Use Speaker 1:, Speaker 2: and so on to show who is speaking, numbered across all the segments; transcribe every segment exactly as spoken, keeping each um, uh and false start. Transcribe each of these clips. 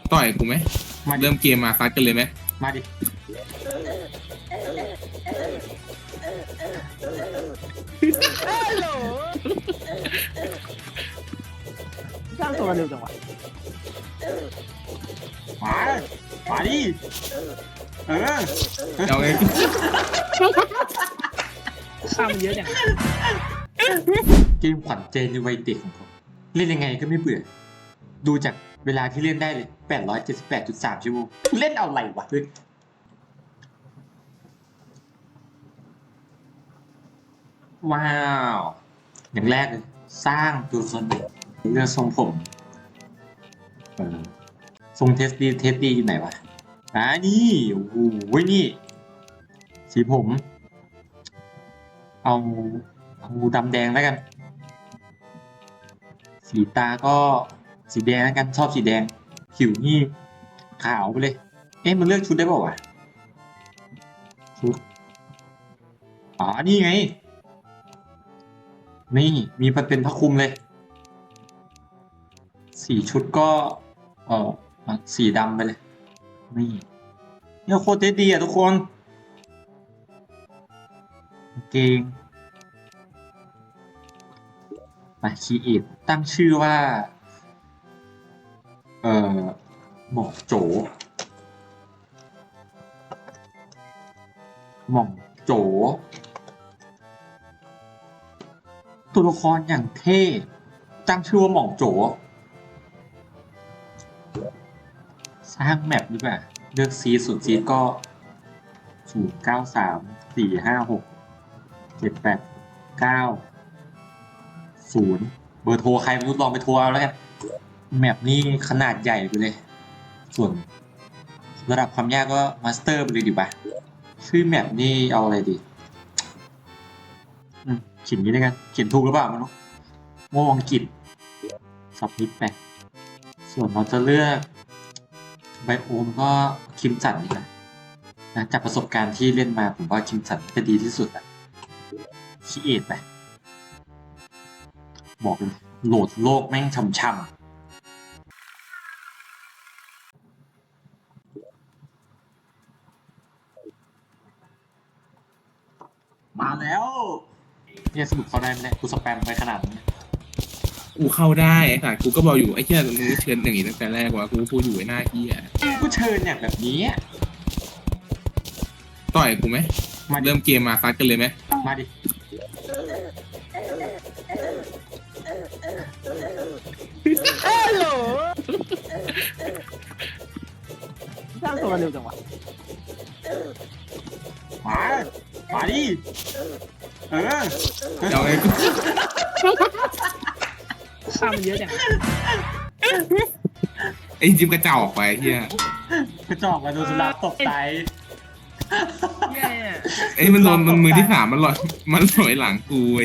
Speaker 1: ต่อยกูไหม
Speaker 2: มาดิ
Speaker 1: เริ่มเกมมาซัดกันเลยไหม
Speaker 2: มาดิ
Speaker 3: ฮัลโหลสร้างตัวเร็วจังวะ
Speaker 2: มามาดิเออ
Speaker 1: เอาไง
Speaker 3: ข้ามมันเยอะจัง
Speaker 2: เกมขวัญใจในวัยเด็กของผมเล่นยังไงก็ไม่เบื่อดูจากเวลาที่เล่นได้เลยแปดร้อยเจ็ดสิบแปดจุดสามชั่วโมงเล่นเอาอะไรวะเฮ้ยว้าวอย่างแรกเลยสร้างตัวตนเด็กเลือกทรงผมเออทรงเทสดีเทสดีอยู่ไหนวะอ่านี่โอ้โหนี่สีผมเอาเอาดำแดงแล้วกันสีตาก็สีแดงแล้วกันชอบสีแดงผิวนี่ขาวไปเลยเอ๊ะมันเลือกชุดได้เปล่าวะชุดอ๋อนี่ไงนี่มีมันเป็นผ้าคลุมเลยสีชุดก็เออสีดำไปเลยนี่เนี่ยโคตรเท่ดีอ่ะทุกคนเก่งมาคีเอทตั้งชื่อว่าเอ่อหม่องโจหม่องโจตัวละครอย่างเท่ตั้งชื่อว่าหม่องโจสร้างแมปดีกว่าเลือกซีสุดซีก็ศูนย์เก้าสามสี่ห้าหกเจ็ดแปดเก้าศูนย์เบอร์โทรใครไม่รู้ลองไปโทรเอาแล้วกันแมปนี้ขนาดใหญ่ไปเลยส่วนระดับความยากก็มาสเตอร์ไปเลยดีป่ะชื่อแมปนี้เอาอะไรดีอืมเขียนนี้ด้วยกันเขียนถูกหรือเปล่าไม่รู้โม่อังกฤษสับนิดไปส่วนเราจะเลือกไบโอมก็คิมสันนี่แหละนะจากประสบการณ์ที่เล่นมาผมว่าคิมสันจะดีที่สุดอะคีเอทไปบอกเลยโหลดโลกแม่งช่ำๆมาแล้วเนี่ยสรุปเขาได้ไหมเนี่ยกูสแปมไปขนาดนี้
Speaker 1: กูเข้าได้ไอ้สัตว์กูก็บอกอยู่ไอ้เหี้ยมึงเชิญอย่างนี้ตั้งแต่แรกว่ากูพูดอยู่ไอ้หน้าเหี้ย
Speaker 2: กูเชิญอย่างแบบนี้
Speaker 1: ต่อยกูไหมเริ่มเกมมาซัดกันเลยไหม
Speaker 2: มาดิ
Speaker 3: ฮัลโหลสร้างตัวเร็วจังวะ
Speaker 2: มามาดิเออ
Speaker 1: เอาไง
Speaker 3: ข้ามมันเยอะจัง
Speaker 1: ไอ้จิมกระเจ้าออกไปเฮีย
Speaker 2: กระจอกมาโดนสุนัขตกใจ
Speaker 1: ไอ้มันโดนมันมือที่สามมันลอยมันลอยหลังกูไอ้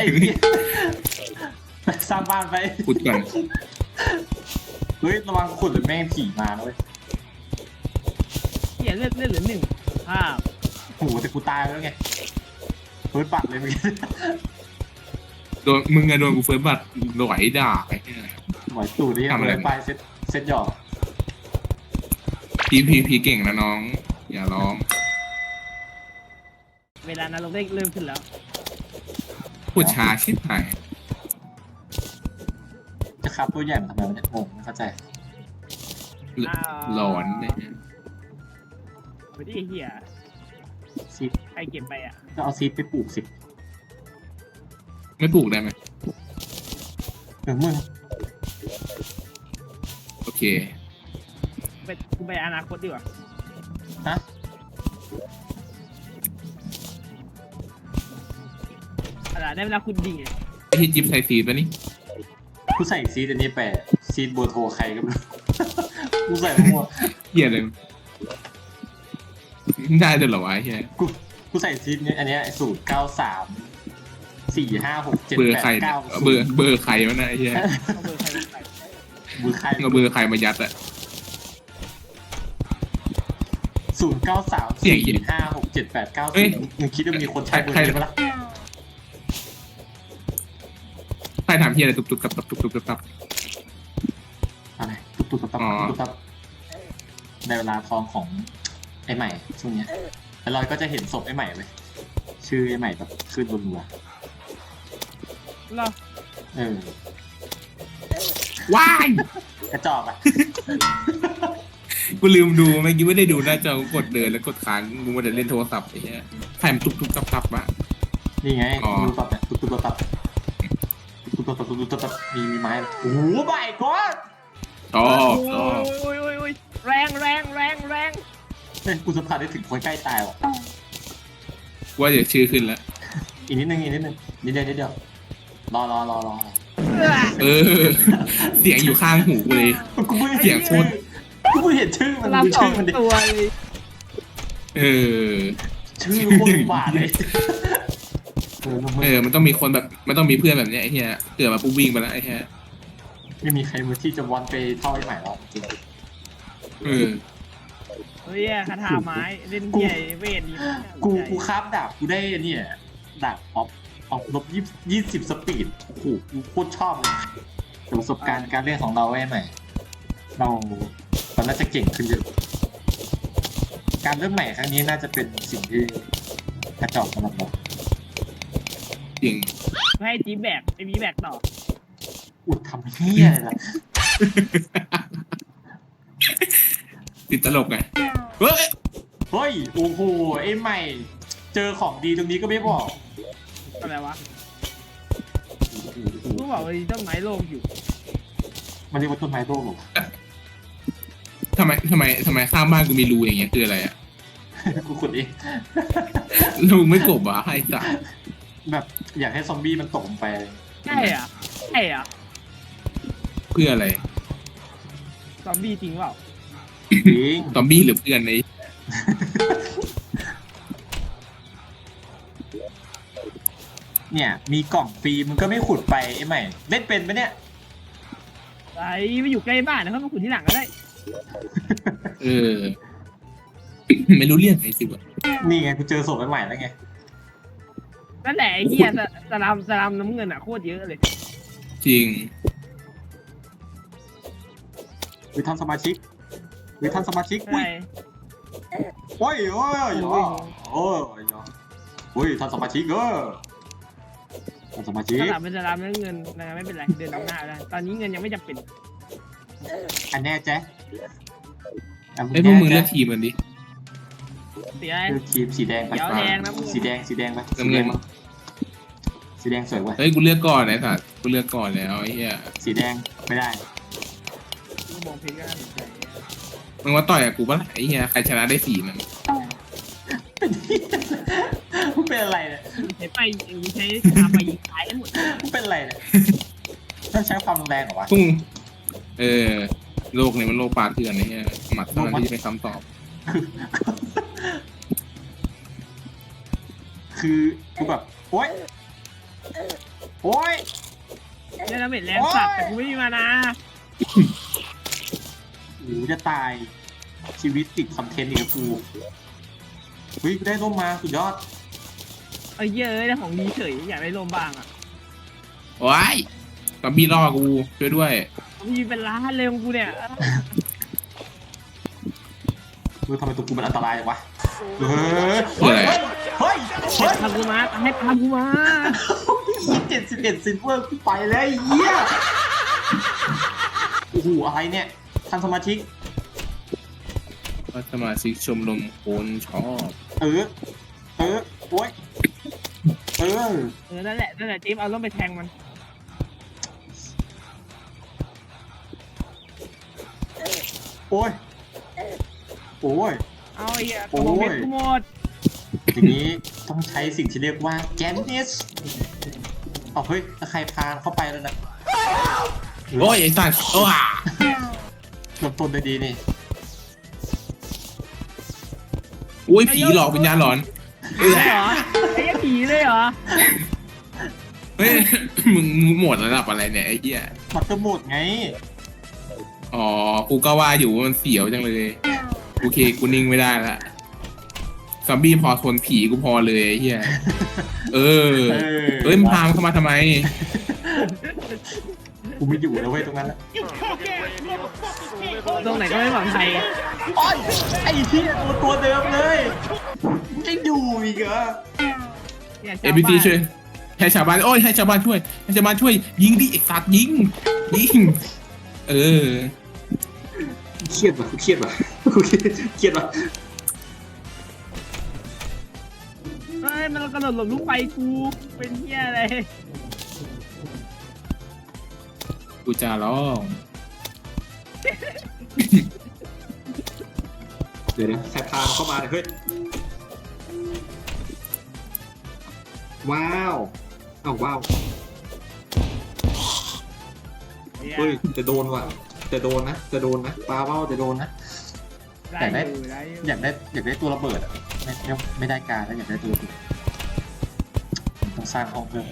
Speaker 2: สร้างบ้านไป
Speaker 1: ขุดก่อน
Speaker 2: เฮ้ยระวังขุดหรือแม่งผีมานะเว้ย
Speaker 3: เหี้ยเลือดเลือดเหลือหนึ่งภาพ
Speaker 2: โหแต่กูตายแล้วไงเฮ้ยปัดเลยเมื่อกี้
Speaker 1: โดนมึงอะโดนกูเฟิร์สบัตรหลอยด่าไอ้เหี้ย
Speaker 2: หมอยตู่นี่ทำอะไรไปเซ็ตเซ็ตหยอก
Speaker 1: พีพีพีเก่งนะน้องอย่าร้อง
Speaker 3: เวลานั้นเราได้เริ่มขึ้นแล้ว
Speaker 1: พูดช้าชิบหาย
Speaker 2: จะขับตัวใหญ่มาทำไมวะเนี่ยงงไม่เข้าใจ
Speaker 1: หลอนเนี่ย
Speaker 3: ไม่ได้เหี้ย
Speaker 2: ซีด
Speaker 3: ใครเก็บไปอ่ะ
Speaker 2: ก็เอาซีดไปปลูกสิ
Speaker 1: ไม่ปลูกได้ไหม
Speaker 2: เออมึง
Speaker 1: โอเค
Speaker 3: ไปกูไปอนาคตดีกว่า
Speaker 2: ฮะ
Speaker 3: อะไรได้เวลาคุณดี
Speaker 1: ไอ้ที่จิ๊บใส่ซีดป่ะนี่
Speaker 2: กูใส่ซีดอันนี้แปะซีดโบโทใครก็ไม่รู้กูใส่มั่ว
Speaker 1: เหี้ยเลยได้ด้วยเหรอวะไอ้เหี้ย
Speaker 2: กูกูใส่ซีดเนี่ยอันเนี้ยสูตรเก้าสามสี่ห้าหกเจ็ดแปดเก้า
Speaker 1: เบอร์เบอร์ใครวะนะไอ้เหี้ย
Speaker 2: เบอร์ใคร
Speaker 1: เอาเบอร์ใครมายัดอะ
Speaker 2: ศูนย์เก้าสามสี่ห้าหกเจ็ดแปดเก้าสิบมึงคิดว่ามีคนใช้เบอร์นี้ไหมล่ะ
Speaker 1: ใครถามเฮียอะไรตุบตุบตับตับตุบตุบตับตับ
Speaker 2: อะไรตุบตุบตับตับตุบตับในเวลาทองของไอ้ใหม่ช่วงเนี้ยแล้วเราก็จะเห็นศพไอ้ใหม่เลยชื่อไอ้ใหม่แบบขึ้นบนหัว
Speaker 3: เหรอ
Speaker 2: เออ
Speaker 1: ว้าย
Speaker 2: กระจอกอ่ะ
Speaker 1: กูลืมดูเมื่อกี้ไม่ได้ดูหน้าจอกูกดเดินแล้วกดค้างกูมาเดินเล่นโทรศัพท์ไอ้เหี้ยใครมันตุกตุกตับตับอะ
Speaker 2: นี่ไง
Speaker 1: อ๋อ
Speaker 2: ดูตับเนี่ยตุ๊บตุ๊บตับตุ๊บตุ๊บตับตุ๊บตุ๊บตับมีมีไม้โอ้โหใบก้อน
Speaker 1: ชอบช
Speaker 3: โอ้
Speaker 1: อบ
Speaker 3: ยโอ้ยโอ้ยโอ้ยแรงแรงแรงแรง
Speaker 2: เฮ้ยกูสัมผัสได้ถึงคนใกล้ตายว่ะ
Speaker 1: ว่าเดี๋ยวชื่อขึ้นแล้ว
Speaker 2: อีกนิดนึงอีกนิดนึงนิดเดียวนิดเดียวรอรอรอรอ
Speaker 1: เออ เสียงอยู่ข้างหูกูเลย
Speaker 2: กูไม่
Speaker 1: เสียงโคตร
Speaker 2: กูไม่เห็นชื่อมัน
Speaker 3: รับ
Speaker 2: ดู
Speaker 3: สอ
Speaker 2: ชื่อง มันดิ
Speaker 3: ตัวเลย
Speaker 1: เออ
Speaker 2: ชื่อโคตรบาดเลยเออ
Speaker 1: เออ มันต้องมีคนแบบ มันต้องมีเพื่อนแบบเนี้ยไอ้เหี้ยเกิดมาปุ๊บวิ่งไปแล้วไอ้เหี้ย
Speaker 2: ไม่มีใครมาที่จะวันไปเท่าไอ้ใหม่แล้วจริง
Speaker 1: เออ
Speaker 3: เฮ้ยคาถาไม้เล่นเหี้ยเวทดี
Speaker 2: กูกูคราฟดาบกูได้เนี่ยดาบออฟออฟลบยี่ยี่สิบสปีดโอ้โหกูโคตรชอบเลยแต่ประสบการณ์การเล่นของเราไอ้ใหม่ เราเราน่าจะเก่งขึ้นเยอะการเริ่มใหม่ครั้งนี้น่าจะเป็นสิ่งที่กระจอกสำหรับเรา
Speaker 1: จริง
Speaker 3: ให้จีแบกไอ้บีแบกต่อ
Speaker 2: อุดทำเฮียอะไรล่ะ
Speaker 1: ติดตลกไงเฮ้ย
Speaker 2: เฮ้ยโอ้โหไอ้ใหม่ เจอของดีตรงนี้ก็ไม่บอก
Speaker 3: อะไรวะกูบอกว่าต้นไม้โลกอยู่
Speaker 2: มันเรียกว่าต้นไม้โลกเหรอ
Speaker 1: ทำไมทำไมทำไมข้างบ้านกูมีรูอย่างเงี้ยคืออะไรอะ
Speaker 2: กูขุดเอง
Speaker 1: รูไม่กบอ่ะไอ้สัส
Speaker 2: แบบอยากให้ซอมบี้มันตกลงไป
Speaker 3: ใช่อ่ะใช่อ่ะ
Speaker 1: เพื่ออะไร
Speaker 3: ซอมบี้จริงเปล่า
Speaker 2: จริง
Speaker 1: ซอมบี้หรือเพื่อนไอ้
Speaker 2: เนี่ย มีกล่องฟรีมึงก็ไม่ขุดไปไอ้ใหม่ เล่นเป็นไหมเนี่ย
Speaker 3: ไอ้ไม่อยู่ใกล้บ้านนะเขามาขุดที่หลังก็ได้
Speaker 1: เออ ไม่รู้เรื่องไอ้สิวะ
Speaker 2: นี่ไงกูเจอศพใหม่แล้วไง
Speaker 3: นั่นแหละไอ้เหี้ยสสลามสลามน้ำเงินอ่ะโคตรเยอะเลย
Speaker 1: จริง
Speaker 2: หรือท่านสมาชิกหรือท่านสมาชิกอุ้ย
Speaker 3: ใช่
Speaker 2: โอ้ยโอ้ยโอ้ยโอ้ยโอ้ยท่านสมาชิกเออท่านสมาชิก
Speaker 3: สลามเป็นสลามน้ำเงินนะไม่เป็นไรเดินนำหน้าได้ตอนนี้เงินยังไม่จำเป็น
Speaker 2: อันแน่แจ๊ะ
Speaker 1: ไอ้พวกมึงเลือกทีมกันดิ
Speaker 3: เสีย
Speaker 2: เลือกทีมสีแดงไป
Speaker 3: เดี๋ยวแดงนะมึง
Speaker 2: สีแดงสีแดงไป
Speaker 1: น้ำเงิน
Speaker 2: สีแดงสวยเว้ย
Speaker 1: เฮ้ยกูเลือกก่อนไอ้สัสกูเลือกก่อนแล้วไอ้เหี้ย
Speaker 2: สีแดงไม่ได้
Speaker 3: กูมองเพลงก็น่าสนใจ
Speaker 1: มึงว่าต่อยกับกูปะล่ะไอ้เหี้ยใครชนะได้สี่มัน
Speaker 2: มึงเป็นอะไรเนี่ย
Speaker 3: ใช้ไปใช้ทำไปยิงตายกันหมด
Speaker 2: มึงเป็นอะไรเนี่ยต้องใช้ความรุนแรงเหรอวะ
Speaker 1: พุ่งเออโลกนี้มันโลกปลาเถื่อนไอ้เหี้ยหมัดเท่านั้นที่จะเป็นคำตอบ
Speaker 2: คือกูแบบโอ๊ยโอ๊ย
Speaker 3: ได้แล้วเม็ดแรงสัตว์แต่กูไม่มีมานะ
Speaker 2: โอ้จะตายชีวิตติดคอนเทนต์อีกแล้วกูเฮ้ยได้ร่มมาสุดยอด
Speaker 3: เอ้ยเยอะได้ของดีเฉยอยากได้ลมบ้างอ่ะ
Speaker 1: ว้ายซอมบี้ล่อกูช่วยด้วย
Speaker 3: มีเป็นล้านเลยของกูเนี่ย
Speaker 2: เฮ้ยทำไมตัวกูมันอันตรายจังวะเฮ้ย
Speaker 1: คืออะไร
Speaker 2: เฮ้ยเฮ้ย
Speaker 3: ให้พากูมาให้พากูมา
Speaker 2: เจ็ดสิบเอ็ดซิลเวอร์กูไปแล้วไอ้เหี้ยโอ้โหอะไรเนี่ยท่านสมาชิก
Speaker 1: สมาชิกชมรมคนชอบ
Speaker 2: เออ เออ โอ๊ย เออ
Speaker 3: เออนั่นแหละนั่นแหละจิ๊บเอาต้องไปแทงมัน
Speaker 2: โอ้ย โอ้ย
Speaker 3: เอาไอ้เหี้ยกระบอกเพชรกูหมด
Speaker 2: ทีนี้ต้องใช้สิ่งที่เรียกว่าแกนนิสเอาเฮ้ยตะใครพาเข้าไปแล้วนะ
Speaker 1: โอ้ยไอ้สัสโอ้ย
Speaker 2: เริ่มต้นได้ดีนี่
Speaker 1: โอ้ยผีหลอกวิญญาณหลอนเออ
Speaker 3: เหรอไอ้เหี้ยผีเลยเหรอ
Speaker 1: เฮ้ย มึงมึงหมดระดับอะไรเนี่ยไอ้เหี้ย
Speaker 2: มัตเตอร์โหมดไง
Speaker 1: อ๋อกูก็ว่าอยู่ว่ามันเสียวจังเลยโอเคกูนิ่งไม่ได้ละซอมบี้พอทนผีกูพอเลยไอ้เหี้ยเออ
Speaker 2: เออ
Speaker 1: เอ้ยมึงพามันเข้ามาทำไม
Speaker 2: กูไม่อยู่แล้วเว้ยตรงนั้นแหละ
Speaker 4: You cock-ass motherfucker
Speaker 3: ตรงไหนก็ไม่ปลอดภัย
Speaker 2: อ้อยไอ้ที่ตัวตัวเดิมเลยจะอยู่อีกเหรอ
Speaker 3: เนี่ย
Speaker 1: เอพีซีช่วยให้ชาวบ้านโอ้ยให้ชาวบ้านช่วยให้ชาวบ้านช่วยยิงดิไอ้สัตว์ยิงยิงเออ
Speaker 2: เครียดว่ะกูเครียดว่ะกูเครียดเครียดว่ะ
Speaker 3: เฮ้ยมันกระโดดหลบลูกไฟกูเป็นเหี้ยอะไร
Speaker 1: กูจะร้อง
Speaker 2: เดี๋ยวนะใครพาเข้ามาเนี่ยเฮ้ยว้าวอ้าวว้าวเฮ้ยจะโดนว่ะจะโดนนะจะโดนนะปลาเบ้าจะโดนนะ
Speaker 3: ได้อยู่ได้อยู่
Speaker 2: อยากได้อยากได้ตัวระเบิดอ่ะไม่ไม่ไม่ได้การแล้วอยากได้ตัวระเบิดต้องสร้างห้องเพิ่ม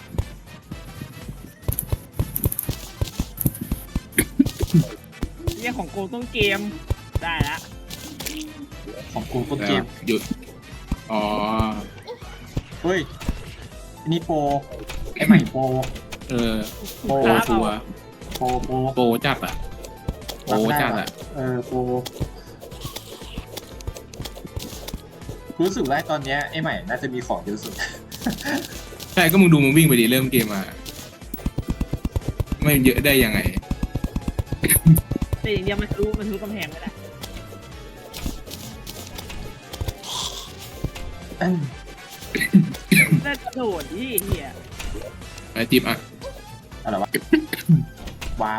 Speaker 3: เรื่องของโกต้นเกมได้ละ
Speaker 2: ของกูต้นเกม
Speaker 1: หยุดอ๋อ
Speaker 2: เฮ้ยอันนี้โปรไอ้ใหม่โปร
Speaker 1: เออ
Speaker 2: โปร
Speaker 1: โปรชัวร์
Speaker 2: โปรโปร
Speaker 1: โปรจัดอ่ะโปรจัดอ่ะ
Speaker 2: เออโปรกูรู้สึกว่าตอนเนี้ยไอ้ใหม่น่าจะมีของเยอะสุด
Speaker 1: ใช่ก็มึงดูมึงวิ่งไปดิเริ่มเกมมาไม่เยอะได้ยังไง
Speaker 3: แต่อย่างเดียวมันทะลุมันทะลุกำแพงไม่ได้ ได้กระโดดที่เหี้ย
Speaker 1: ไอ้จิ๊บอ่ะ
Speaker 2: อะไรวะ ว้าว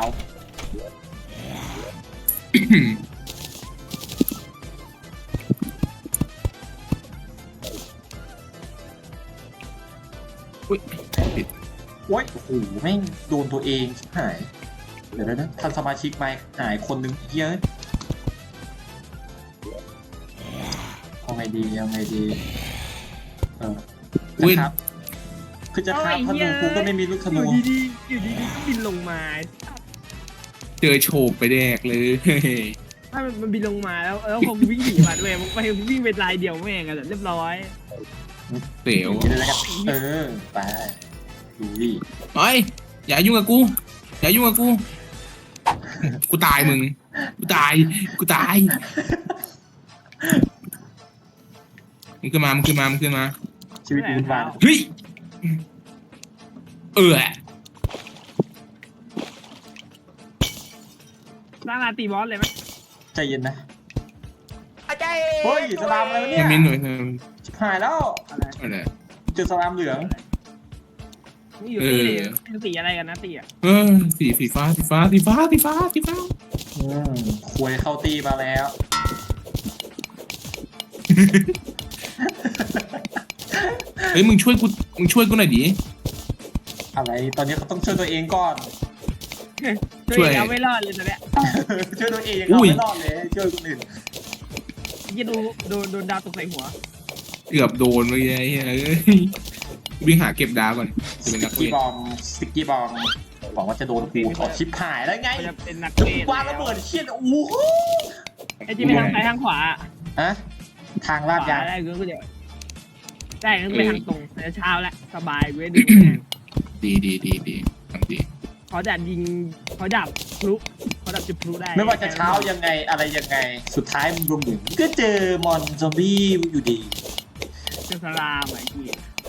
Speaker 1: อุ้ยผิด
Speaker 2: โอ้ยโอ้โหแม่งโดนตัวเองชิบหาย เดี๋ยวนะท่านสมาชิกไม่หายคนหนึ่งเยอะเอาไงดีเอาไงดีเออ
Speaker 1: อุ้ย
Speaker 2: ครับคือจะครับธนูกูก็ไม่มีลูกธ
Speaker 3: อ
Speaker 2: นู
Speaker 3: ยู่ดีๆอยู่ดีๆก็บินลงมา
Speaker 1: เจอโฉบไปแดกเลย
Speaker 3: ถ้ามันมันบินลงมาแล้วแล้วผมวิ่งหนีมาด้วยมันไปวิ่งเป็นลายเดียวแม่งกันเรียบร้อย
Speaker 1: เสียว
Speaker 2: กินอะไรกันเออไปดูดิ
Speaker 1: เฮ้ยอย่ายุ่งกับกูอย่ายุ่งกับกูกูตายมึงกูตายกูตายมึงขึ้นมามึงขึ้นมามึงขึ้นมา
Speaker 2: ชีวิตกูวุ่นวาย
Speaker 1: เฮ้ยเออ
Speaker 3: สร้างราตีบอสเลยไหม
Speaker 2: ใจเย็นนะเฮ้ยสลามอะไรวะเนี่ย
Speaker 1: มินหน่อย
Speaker 2: ชิบหายแล้ว
Speaker 3: อะไร
Speaker 1: อะไร
Speaker 2: เจอสลามเหลือง
Speaker 3: มึงอยู่ตีเลยเป็นสีอะไรกันนะตีอ่ะ
Speaker 1: เออสีสีฟ้าสีฟ้าสีฟ้าสีฟ้าสีฟ้า
Speaker 2: อืมควยเข้าตีมาแล้ว
Speaker 1: เฮ้ยมึงช่วยกูมึงช่วยกูหน่อยดิ
Speaker 2: อะไรตอนนี้เขาต้องช่วยตัวเองก่อน
Speaker 3: ช่วยเอาไม่รอดเลยตอนเนี้ย
Speaker 2: ช่วยตัวเอง
Speaker 1: อุ้
Speaker 2: เอา
Speaker 1: ย
Speaker 2: ไม่รอดเลยช่วยคนอื่น
Speaker 3: ยี่ดูโดนโดนดาวตกใส่หัว
Speaker 1: เกือบโดนเลยไอ้เหี้ยเอ้ยวิ่งหาเก็บดาวก่อนจะเป็น
Speaker 2: ส
Speaker 1: นัก
Speaker 2: กี้
Speaker 1: เวท
Speaker 2: บอมสกี้บอมบอกว่าจะโดนกูถอดชิปหายแล้วไง
Speaker 3: มันจะเป็นนัก
Speaker 2: จะ
Speaker 3: เวท
Speaker 2: วางระเบิดเชี่ยโอ้โห
Speaker 3: ไอ้ที่ไปทางซ้ายทางขวา
Speaker 2: ฮะทางลาดยาง
Speaker 3: ได้ก็เดี๋ยวได้ก็ไปทางตรงแต่เช้าแล้วสบายเว้ยดู
Speaker 1: ดีดีดีดีทำดี
Speaker 3: เขาดับยิงเขาดับพลุเขาดับจุดพลุได้
Speaker 2: ไม่ว่าจะเช้ายังไงอะไรยังไง สุดท้ายมึงรวมถึงก็เจอมอนซอมบี้อยู่ดี
Speaker 3: เจอสลามไอ้ที่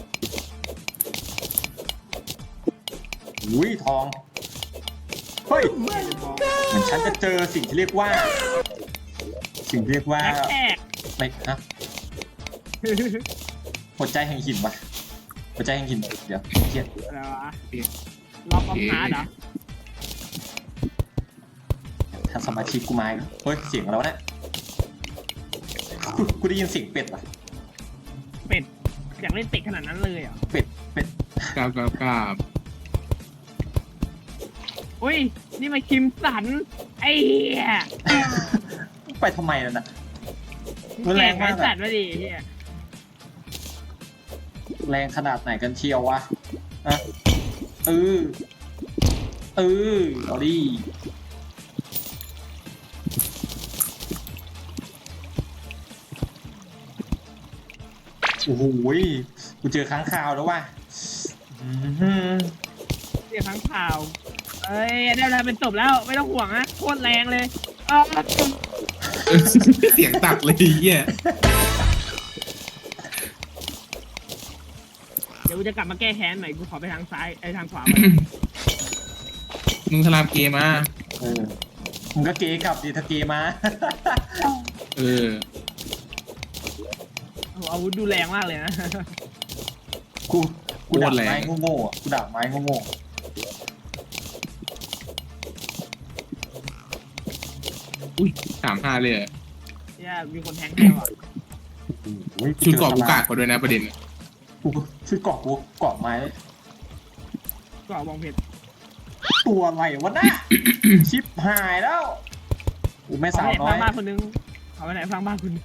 Speaker 2: อุ้ยทองเฮ้ยเหมือนฉันจะเจอสิ่งที่เรียกว่า สิ่งที่เรียกว่า
Speaker 3: แท็กแท็ก
Speaker 2: ไม่นะหัวใจแห่งหินวะหัวใจแห่งหินเดี๋ยวเครียด
Speaker 3: อะไรวะล็อกออฟฮาร์ดเหรอ
Speaker 2: ทางสมาชิกกูมาอีกแล้วเฮ้ยเสียงอะไรวะเนี่ยกูกูได้ยินเสียงเป็ดว่ะ
Speaker 3: เป็ดอยากเล่นเป็ดขนาดนั้นเลยเหรอ
Speaker 2: เป็ดเป็ด
Speaker 1: กราบกราบกราบ
Speaker 3: อุ้ยนี่มันคิมสันไอ้เหี้ย
Speaker 2: ไปทำไมนั่นน่ะ มัน
Speaker 3: แก
Speaker 2: แรง
Speaker 3: ไม้
Speaker 2: มาก
Speaker 3: สั
Speaker 2: อะ
Speaker 3: ตว์มาดิเหี้ย
Speaker 2: แรงขนาดไหนกันเชียววะอะเออเออเอาดิโอ้โหกูเจอค้างคาวแล้วว่ะอือหือ
Speaker 3: เรียกข้างข่าวเอ้ยได้เวลาเป็นศพแล้วไม่ต้องห่วงนะโคตรแรงเลยอ้าว
Speaker 1: เสียงตัดเลยไอ้เหี้ย
Speaker 3: เดี๋ยวกูจะกลับมาแก้แค้นใหม่กูขอไปทางซ้ายไอ้ทางขวา
Speaker 1: มึงสลามเกมมา
Speaker 2: เออมึงก็เกย์กลับดิถ้าเกย์มา
Speaker 1: เออ
Speaker 3: โอ้อาวุธดูแรงมากเลยนะ
Speaker 2: กูกูดักไม้โง่ๆอ่ะกูดักไม้โง่
Speaker 1: อุ้ยสามห้าเลยอะ
Speaker 3: เนี่ยมีคนแทงให้ว่ะ
Speaker 2: ๆโอ้ย
Speaker 1: ชุดเกาะกูกาดเขาด้วยนะประเด็น
Speaker 2: กูชุดเกาะกูเกาะไม้
Speaker 3: ก็บองเพชร
Speaker 2: ตัวอะไรวะน่ะ ชิปหายแล้วกูไม่
Speaker 3: เอา
Speaker 2: สาว
Speaker 3: ไปไหน
Speaker 2: น้อ
Speaker 3: ฟั
Speaker 2: ย
Speaker 3: งบ้านคนนึงเอาไปไหนฟังบ้านคนนึง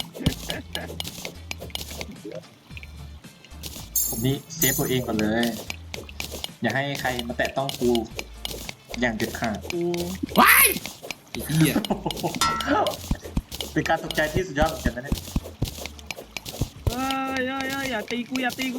Speaker 2: ผมนี่เซฟตัวเองก่อนเลย อย่าให้ใครมาแตะต้องกูอย่างเด็ดขาด
Speaker 3: กู
Speaker 1: ว้ายไอ้เหี้ย
Speaker 2: เป็นการตกใจที่สุดยอดเหมือนกันนะเนี่ย
Speaker 3: เอ้ยเอ้ยเอ้ยอย่าตีกูอย่าตีกู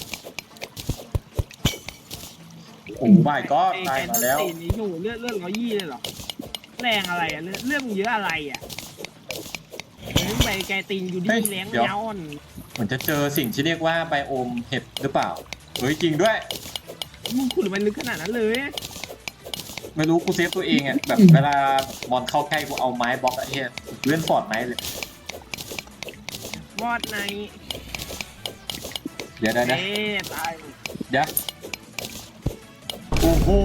Speaker 2: โอ้ไม่ก็ตายมาแล้ว
Speaker 3: ไอ้แกนตีนี่โหเลือดเลือดร้อยยี่เลยเหรอแรงอะไรอ่ะเลือดเลือดมึงเยอะอะไรอ่ะมึงไปแกตีนอยู่ที่แรงย้อน
Speaker 2: เหมือนจะเจอสิ่งที่เรียกว่าไบโอมเห็ดหรือเปล่าเฮ้ยจริงด้วย
Speaker 3: มึงขุดมันลึกขนาดนั้นเลย
Speaker 2: ไม่รู้กูเซฟตัวเองอ่ะแบบเวลาบอลเข้าใกล้กูเอาไม้บล็อกไอ้เหี้ยเล่นฟอร์ดไม้เลย
Speaker 3: วอดใน
Speaker 2: เดี๋ยวเดี๋ยวเดี๋ยว
Speaker 3: เอ๊ะตาย
Speaker 2: เดี๋ยวโอ้โห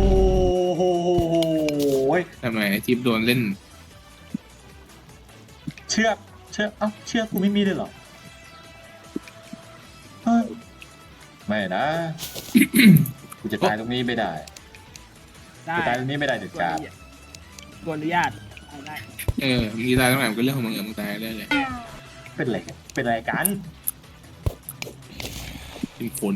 Speaker 1: ทำไมไอ้จิ๊บโดนเล่น
Speaker 2: เชือกเชือกเอ้าเชือกกูไม่มีเลยเหรอเฮ้ยไม่นะ กูจะตายตรงนี้ไม่ได้
Speaker 3: ได้
Speaker 2: กูตายตรงนี้ไม่ได้เด็ดขาด
Speaker 3: กอนุญาตเอาได้
Speaker 1: เออมีตายตรงไหนมันก็เรื่องของมึงเออมึงตายเรื่อยเลย
Speaker 2: เป็นไรกันเป็นไรกัน
Speaker 1: เป็นคน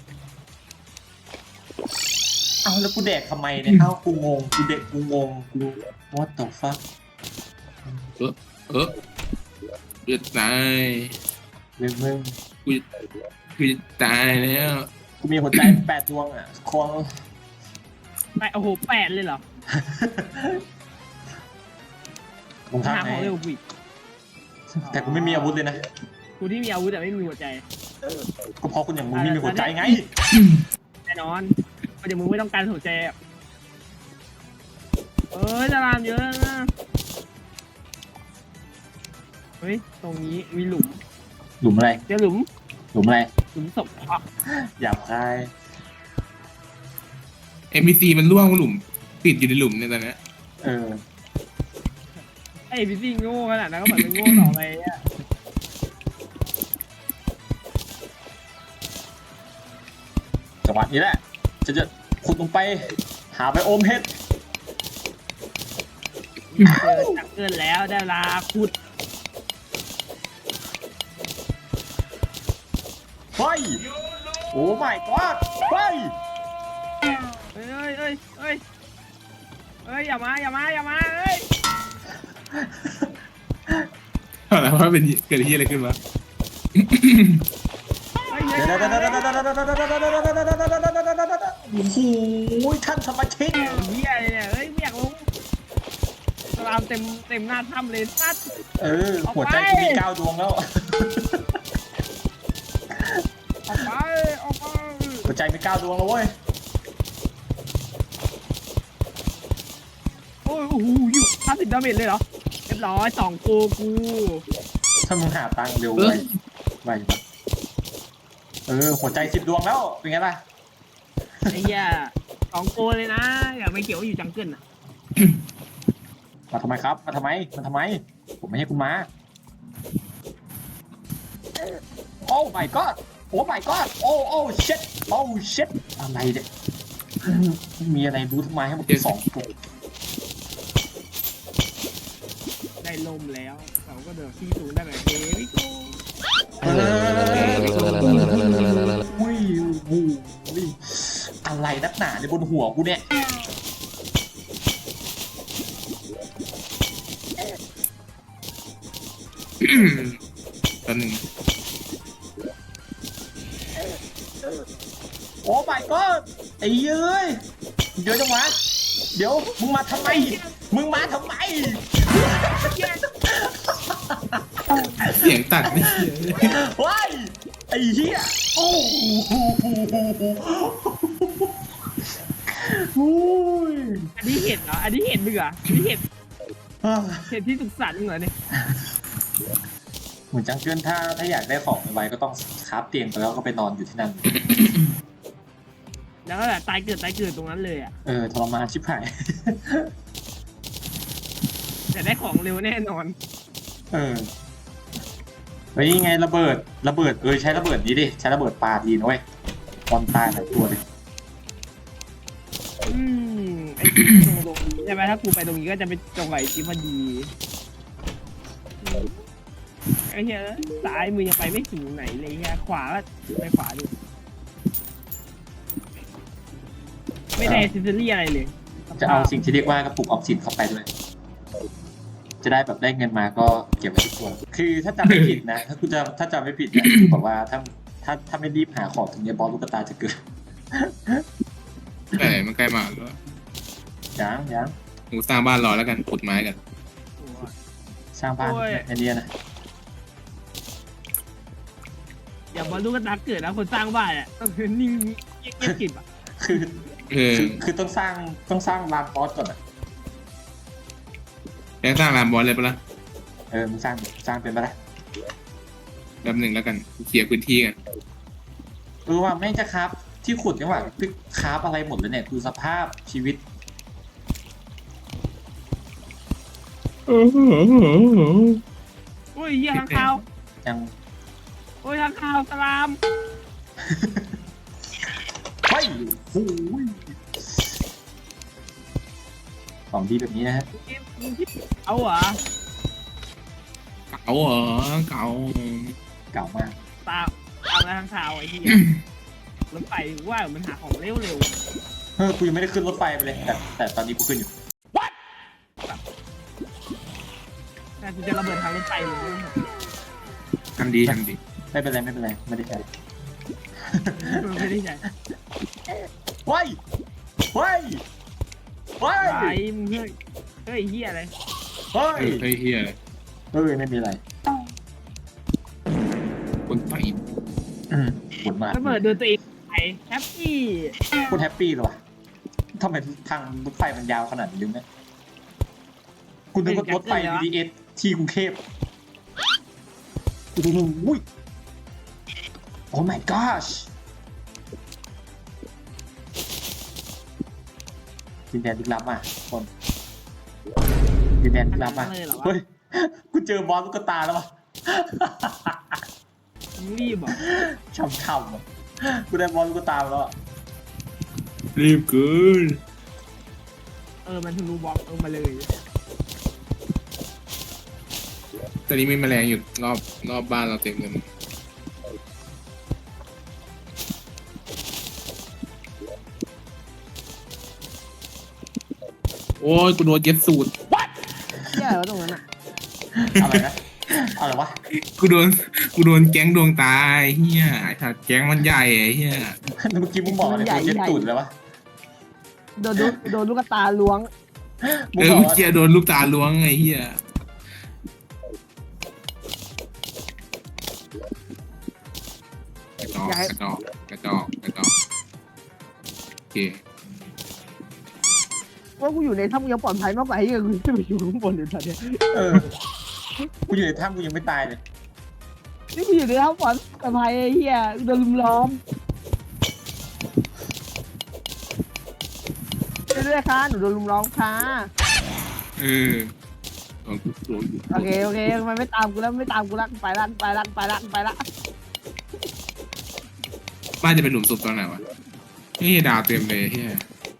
Speaker 2: เอาแล้วกูแดกทำไมเนี่ยเอ้ากูงงกูเด็กกูงงกู what the fuck
Speaker 1: เออเออกูจะตาย
Speaker 2: เรื่องมึง
Speaker 1: กูกูจะตายแล้ว
Speaker 2: กูมีหัวใจแปดดวงอ่ะคง
Speaker 3: แปดโอ้โหแปดเลยเหรอ
Speaker 2: มึง
Speaker 3: หา
Speaker 2: ทำ
Speaker 3: ของ
Speaker 2: ไง
Speaker 3: เร็วกว่าอีก
Speaker 2: แต่กูไม่มีอาวุธเลยนะ
Speaker 3: กูที่มีอาวุธแต่ไม่มีหัวใจ
Speaker 2: ก็เพราะคุณอย่างมึงไม่มีหัวใจไง
Speaker 3: แน่นอนเพราะเดี๋ยวมึงไม่ต้องการหัวใจอะเอ้ยจะรามเยอะนะเฮ้ยตรงนี้มีหลุม
Speaker 2: หลุมอะไร
Speaker 3: เจอหลุม
Speaker 2: หลุมอะไร
Speaker 3: หลุมศพอ่ะ
Speaker 2: หยาบคาย
Speaker 1: เอ็มบีซีมันร่วงหลุมติดอยู่ในหลุมเนี่ยตอนเนี้ย
Speaker 2: เออ
Speaker 3: ไอ้พี่ซิ่งโง่ขนาดนั้นก็เหมือนเป็นโง่ต่อไปอ่ะ
Speaker 2: จังหวะนี้แหละจะจะขุดลงไป หาไปโอมเฮ็ด
Speaker 3: เจอจักเกินแล้วได้เวลาขุด
Speaker 2: เฮ้ยโอ้ my god เฮ้ย
Speaker 3: เอ้ยเอ้ยเอ้ยเอ้ยอย่ามาอย่ามาอย่ามาเอ้ย
Speaker 1: เอาละว่าเป็นเกิดที่อะไรขึ้นวะ
Speaker 3: เอ้ย
Speaker 2: เดี๋ยวเดี๋ยวเดี๋ยวเดี๋ยวเดี๋ยวเดี๋ยวเดี๋ยวเดี๋ยวเดี๋ยวเดี๋ยวเดี๋ยวเดี๋ยวเดี๋ยวเดี๋ยวเดี๋ยวโอ้โหท่านสมาชิก
Speaker 3: เฮียอะไรเนี่ยเอ้ยไม่อยากลงสลามเต็มเต็มหน้าถ้ำเลยสัตว์
Speaker 2: เออ หัวใจกูมีเก้าดวงแล้ว
Speaker 3: ออกไปออกไป
Speaker 2: หัวใจมีเก้าดวงแล้วเว้ย
Speaker 3: โอ้ยโอ้โหอยู่ห้าสิบดาเมจเลยเหรอเรียบร้อยสองโกกู
Speaker 2: ถ้ามึงหาตังค์เร็วไวไวปะเออ หัวใจสิบดวงแล้ว เป็นไงล่ะ
Speaker 3: ไอ้เหี้ยสองโกเลยนะอย่าไปเกี่ยวว่าอยู่จังเกิลอ่ะ
Speaker 2: มาทำไมครับ มาทำไม มาทำไม ผมไม่ให้คุณมา โอ้ my god โอ้ my god โอ้ โอ้ shit โอ้ shit อะไรเนี่ยมีอะไรรู้ทำไมให้มันเป็นสองตัว
Speaker 3: ได้ลมแล้วเราก็เดินที่สูงได้แบบเดวิโก้
Speaker 2: อุ้ยอุ้ยอะไรนักหนาในบนหัวกูเนี่ย
Speaker 1: ตอนหนึ่ง
Speaker 2: โอ้ my god ไอ้เย้ยเดี๋ยวจังหวะเดี๋ยวมึงมาทำไม มึงมาทำไม
Speaker 1: เสียงตัดนี่
Speaker 2: ว้ายไอ้เหี้ยโอ้โหโอ้ย
Speaker 3: อันนี้เห็ดเหรออันนี้เห็ดมึงเหรออันนี้เห็ดเห็ดที่สุขสันต์มึงเหรอเนี่ย
Speaker 2: เหมือนจังเกิลถ้าถ้าอยากได้ของไว้ก็ต้องคราฟเตียงไปแล้วก็ไปนอนอยู่ที่นั่น
Speaker 3: แล้วก็แบบตายเกิดตายเกิดตรงนั้นเลยอ่ะ
Speaker 2: เออทรมานชิบหาย
Speaker 3: แต่ได้ของเร็วแน่นอน
Speaker 2: เออเฮ้ยไงระเบิดระเบิดเออใช้ระเบิดนี้ดิใช้ระเบิดปลาดีนะเว้ยตอนตายหลายตัวเลย
Speaker 3: อืมไอ้ตรงตรงนี้ใช่ไหมถ้ากูไปตรงนี้ก็จะไปจงไหวจีพอดีไอ้เหี้ยซ้ายมือยังไปไม่ถึงไหนเลยเหี้ยขวาก็ไปขวาดูไม่ได้ซิสเตอรี่อะไรเลย
Speaker 2: จะเอาสิ่งที่เรียกว่ากระปุกออมสินเข้าไปด้วย จะได้แบบได้เงินมาก็เก็บไว้ทุกตัวคือถ้าจำไม่ผิดนะ ถ้าคุณจะถ้าจำไม่ผิดนะคือบอกว่าถ้าถ้าถ้าไม่รีบหาของตรงนี้บอสลูกตาจะเกิด
Speaker 1: แต่มันใกล้มาแล้ว
Speaker 2: ยังยัง
Speaker 1: กูสร้างบ้านรอแล้วกันขุดไม้กัน
Speaker 2: สร้างบ้านไอเดียนะ
Speaker 3: อย่าบอลลูกกระตาเกิดนะคนสร้างบ้านอ่ะต้องนิ่งเงียบกริบอ่ะ
Speaker 2: คือ
Speaker 1: เออ
Speaker 2: คือคือต้องสร้างต้องสร้างลานบอสก่อนอ่ะ
Speaker 1: แกสร้างลานบอลเลยปะล่ะ
Speaker 2: เออมึงสร้างสร้างเป็นไปได้
Speaker 1: แป๊บหนึ่งแล้วกันเคลียร์พื้นที่กัน
Speaker 2: เออว่าแม่งจะครับที่ขุดจังหวะพี่คราฟอะไรหมดเลยเนี่ยคือสภาพชีวิต
Speaker 3: โอ้ยเหี้ยข้างคาว
Speaker 2: ยัง
Speaker 3: โอ้ยข้างคาวสลาม
Speaker 2: ไม่โอ้ยของดีแบบนี้นะฮะ
Speaker 3: เอาเหรอ
Speaker 1: เก่าเหรอเก่า
Speaker 2: เก่ามาก
Speaker 3: ตามตามแล้วข้างคาวไอ้เหี้ยรถไฟว่ามันหาของเร็วเร็ว
Speaker 2: เฮ้ยกูยังไม่ได้ขึ้นรถไฟไปเลยแต่แต่ตอนนี้กูขึ้นอยู่
Speaker 3: แต่กูจะระเบิดทางรถไฟเลย
Speaker 1: ทำดีทำดี
Speaker 2: ไม่เป็นไรไม่เป็นไรไม่ได้ใช้
Speaker 3: ไม่ได้ใช่
Speaker 2: ว้ายว้ายว้าย
Speaker 3: ไอ้มึงเฮ้ยเฮ้ยเหี้ยอะไร
Speaker 2: เฮ้ย
Speaker 1: เออเฮ้ยเฮียอะไร
Speaker 2: เฮ้ยไม่มีอะไร
Speaker 1: คนไต่
Speaker 2: อืมปวดมาก
Speaker 3: ระเบิดโดนตัวเองไปแฮปปี้
Speaker 2: โคตรแฮปปี้เลยวะทำไมทางรถไฟมันยาวขนาดนี้เนี่ยกูนึกว่ารถไฟ บี ที เอส ที่กรุงเทพโอ้โหอุ้ย โอ้ my gosh ดินแดนลึกลับอ่ะคนดินแดนลึกลับอ่ะเฮ้ยกูเจอบอสลูกตาแล้วว่ะ
Speaker 3: มึงรีบเหรอ
Speaker 2: ช่ำๆอ่ะกูได้บอลลูกตามาแล้วอะ
Speaker 1: รีบเกิน
Speaker 3: เออมันทะลุบล็อกลงมาเลย
Speaker 1: ตอนนี้มีแมลงอยู่รอบรอบบ้านเราเต็มเลยโอ้ยกูโดนเย็ดสูตร
Speaker 3: เหี้ยอะไรวะตรงนั้นอ่ะ
Speaker 2: อะไรนะอะไรวะ
Speaker 1: กูโดนกูโดนแก๊งดวงตาไอ้เฮียไอ้สัตว์แก๊งมันใหญ่ไอ้เฮีย
Speaker 2: เมื่อกี้มึงบอกอะไรกูเจ็ดตูดเลยวะ
Speaker 3: โดนโดนลูกตาล้วง
Speaker 2: มึง
Speaker 1: เออบ
Speaker 2: อ
Speaker 1: เมื่
Speaker 2: ก
Speaker 1: อ
Speaker 2: ว่า
Speaker 1: กี้โดนลูกตาล้วงไอ้เฮียกระจอกกระจอกกระจอกกระจอกโอเค
Speaker 3: ว่ากูอยู่ในถ้ำกูยังปลอดภัยมากกว่าไอ้เหี้ยกูจะไปอยู่ข้างบนอยู่ตอนเนี้ย
Speaker 2: เออกูอยู่ในถ้ำกูยังไม่ตายเลย
Speaker 3: นี่กูอยู่ในถ้ำปลอดภัยไอ้เหี้ยโดนลุมล้อมเรื่อยๆค่ะหนูโดนลุมล้อมค่ะ
Speaker 1: เออโดนโดน
Speaker 3: โอเคโอเคมันไม่ตามกูแล้วไม่ตามกูละไปละไปละไปละไปละ
Speaker 1: บ้านจะเป็นหลุมศพตอนไหนวะนี่ดาวเต็มเลยเฮีย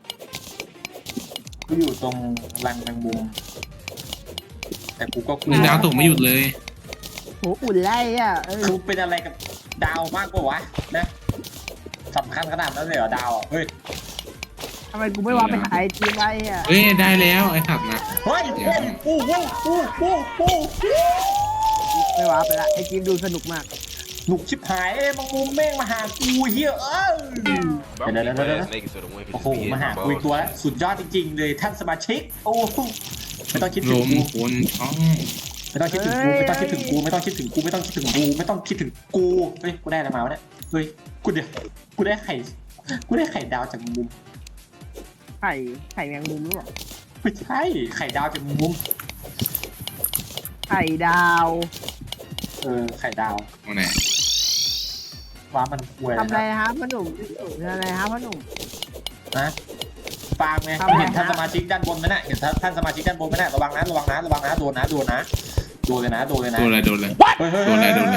Speaker 2: กูอยู่ตรงรังแมงมุมแต่กูก็กลั
Speaker 1: มึงดาวตกไม่หยุดเลย
Speaker 3: โหอุ่นไล่อ่ะเออ
Speaker 2: คือเป็นอะไรกับดาวมากกว่าวะนะสำคัญขนาดนั้นเลยเหรอดาวอ่ะเฮ้ย
Speaker 3: ทำไมกูไม่ว่าไปหาไอจีไว้อ่ะ
Speaker 1: เฮ้ยได้แล้วไอ้สัตว์นะ
Speaker 2: เฮ้ยโอ้โหโอ้โหโอ้โห
Speaker 3: ไม่ว่าไปละไอจีดูสนุกมาก
Speaker 2: หนุกชิบหายเอ้ยมังมุมแม่งมาหากูเฮียเออเดี๋ยวเดี๋ยวเดี๋ยวโอ้โหมาหากูอีกตัวแล้วสุดยอดจริงๆเลยท่านสมาชิกโอ้โหไม่ต้องคิด
Speaker 1: ล
Speaker 2: ถึง
Speaker 1: ม
Speaker 2: กู
Speaker 1: คนช่อง
Speaker 2: ไม่ต้องคิดถึงกูไม่ต้องคิดถึงกูไม่ต้องคิดถึงกูไม่ต้องคิดถึงกูไม่ต้องคิดถึงกูเฮ้ยกูได้อะไรมาวะเนี่ยเฮ้ยกูเดี๋ยวกูได้ไข่กูได้ไข่ดาวจากมุม
Speaker 3: ไข่ไข่แมงมุมหรือเปล่า
Speaker 2: ไม่ใช่ไข่ดาวจากมุม
Speaker 3: ไข่ดาว
Speaker 2: เออไข่ดาว
Speaker 1: เอาไหน
Speaker 2: ว่ามันป่วย
Speaker 3: ทำอะไร
Speaker 2: นะ
Speaker 3: นะครับพ่อหนุ่มทำอะไรครับพ่อหนุ่ม
Speaker 2: นะฟางไง
Speaker 3: ทำอะไร
Speaker 2: เห็นท่าน
Speaker 3: นะ
Speaker 2: สมาชิกด้านบนไหมน่ะเห็นท่านสมาชิกด้านบนไหมน่ะระวังนะระวังนะระวังนะโดนนะโดนนะโดนเลยนะโดนเลยนะ
Speaker 1: โดนอะไรโดนอะไร
Speaker 2: เฮ้ยเฮ้ย
Speaker 1: โดนอะไรโดนอะไร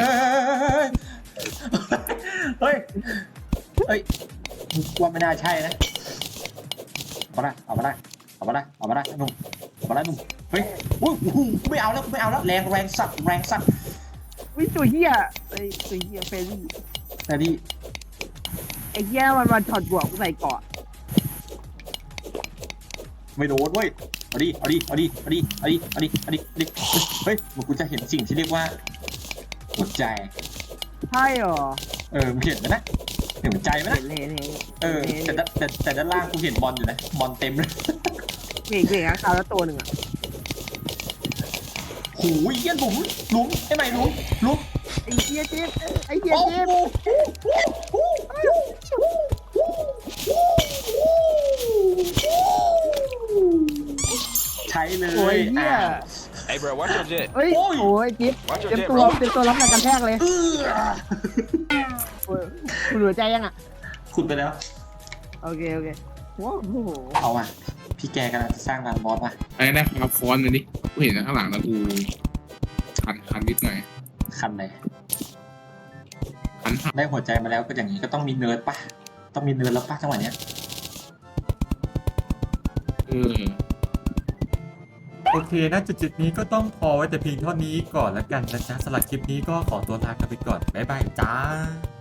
Speaker 2: เฮ้ยเฮ้ยว่าไม่น่าใช่นะเอามาได้เอามาได้เอามาได้เอามาได้หนุ่มเอามาได้หนุ่มเฮ้ยอุ้ยกูไม่เอาแล้วกูไม่เอาแล้วแรงแรงสัตว์แรงสัตว์
Speaker 3: วิตัวเฮียไอ้ตัวเฮียเฟรรี่
Speaker 2: แต่ดิ
Speaker 3: ไอ้เฮียมันมาถอดหัวกูใส่เกาะ
Speaker 2: ไม่โดนเว้ยเอาดิเอาดิเอาดิเอาดิเอาดิเอาดิเอาดิเอาดิเฮ้ยมันกูจะเห็นสิ่งที่เรียกว่าหัวใจ
Speaker 3: ใช่เหรอ
Speaker 2: เออมึงเห็นไหมนะเห็นหัวใจไหม
Speaker 3: เห็
Speaker 2: นะ
Speaker 3: นเห็นเห็น
Speaker 2: เออแต่ด้านแต่แต่ด้านล่างกูเห็นบอลอยู่นะบอลเต็มเลย
Speaker 3: เห็นเห็นข้างคาวแล้วตัวหนึ่งอ่ะ
Speaker 2: โหูยเยี่ยนหลุมหลุมไอ้ใหม่หลุมหลุม
Speaker 3: ไอ้เฮียจิ๊บไอ้เฮีย
Speaker 2: โอ้
Speaker 3: จิ๊บ
Speaker 2: โหใช้เลย
Speaker 3: โอ้ยเฮีย
Speaker 2: อ่ะ
Speaker 4: Hey, bro, watch your jet.
Speaker 3: เฮ้ย
Speaker 2: โอ้ย
Speaker 3: โอ้ยจิ๊บ
Speaker 4: Watch your
Speaker 3: เต็ม
Speaker 4: jet,
Speaker 3: ตัว
Speaker 4: bro.
Speaker 3: เต็มตัวรับแรงกันแทกเลย
Speaker 2: เออ
Speaker 3: โอ้ยคุณหัวใจยังอ่ะ
Speaker 2: ขุดไปแล้ว
Speaker 3: โอเคโอเคว้าวโอ้โห
Speaker 2: เอาว่ะพี่แกกำลังจะสร้างลานบอสว่ะ
Speaker 1: ไอ้ได้ครับฟอนต์เลยดิกูเห็นข้างหลังแล้วกูคันคันนิดหน่อย
Speaker 2: คันเลย
Speaker 1: คันหัก
Speaker 2: ได้หัวใจมาแล้วก็อย่างนี้ก็ต้องมีเนิร์ดปะต้องมีเนิร์ดแล้วปะจังหวะเนี้ย
Speaker 1: เออ
Speaker 5: โอเคนะจุดๆนี้ก็ต้องพอไว้แต่เพียงเท่านี้ก่อนแล้วกันนะจ๊ะสำหรับคลิปนี้ก็ขอตัวลากันไปก่อน บ๊ายบายจ้า